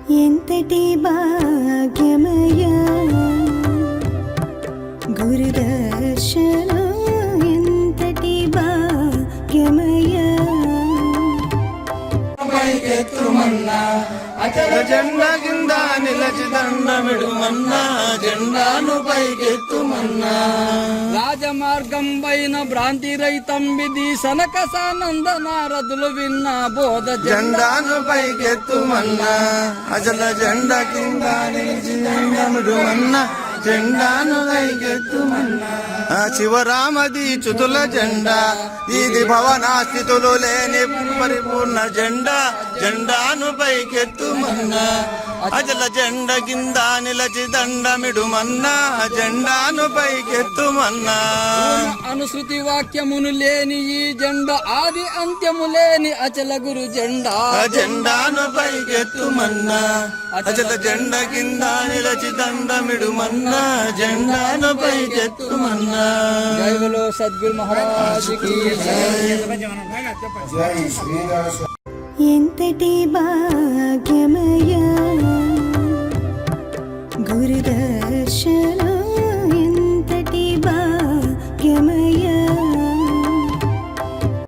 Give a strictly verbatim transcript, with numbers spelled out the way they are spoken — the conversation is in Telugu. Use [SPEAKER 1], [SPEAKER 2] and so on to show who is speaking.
[SPEAKER 1] ఎంతటి భాగ్యమయ్యా గురుదర్శనం ఎంతటి భాగ్యమయ్యా
[SPEAKER 2] పైకెత్తుమన్నా అచల జెండా కింద నిలచి దండమిడుమన్నా జెండాను పైకెత్తుమన్నా
[SPEAKER 3] రాజమార్గం పైన భ్రాంతి రైతం విధి సనక సానంద నారదులు విన్న బోధ
[SPEAKER 2] జెండాను పైకెత్తుమన్నా అచల జెండా కింద నిలిచి దండమిడుమన్నా జెండాను పైకెత్తుమన్నా శివరామది చుతుల జెండా ఇది భవనాస్థితులు లేని పరిపూర్ణ జెండా జెండాను పైకెత్తుమన్నా అజల జెండ కింద నిలచి దండమిడుమన్నా జెండాను పైకెత్తుమన్నా
[SPEAKER 3] అనుశృతి వాక్యమును లేని ఈ జెండా ఆది అంత్యము లేని అచల గురు జెండా
[SPEAKER 2] జెండాను పైకెత్తుమన్నా అజల జెండ కింద నిలచి దండమిడుమన్నా జెండాను పైకెత్తుమన్నా
[SPEAKER 3] జై బోలో సద్గురు మహారాజ్ కి జై.
[SPEAKER 1] ఎంతటి భాగ్యమయ్యా గురుదర్శనం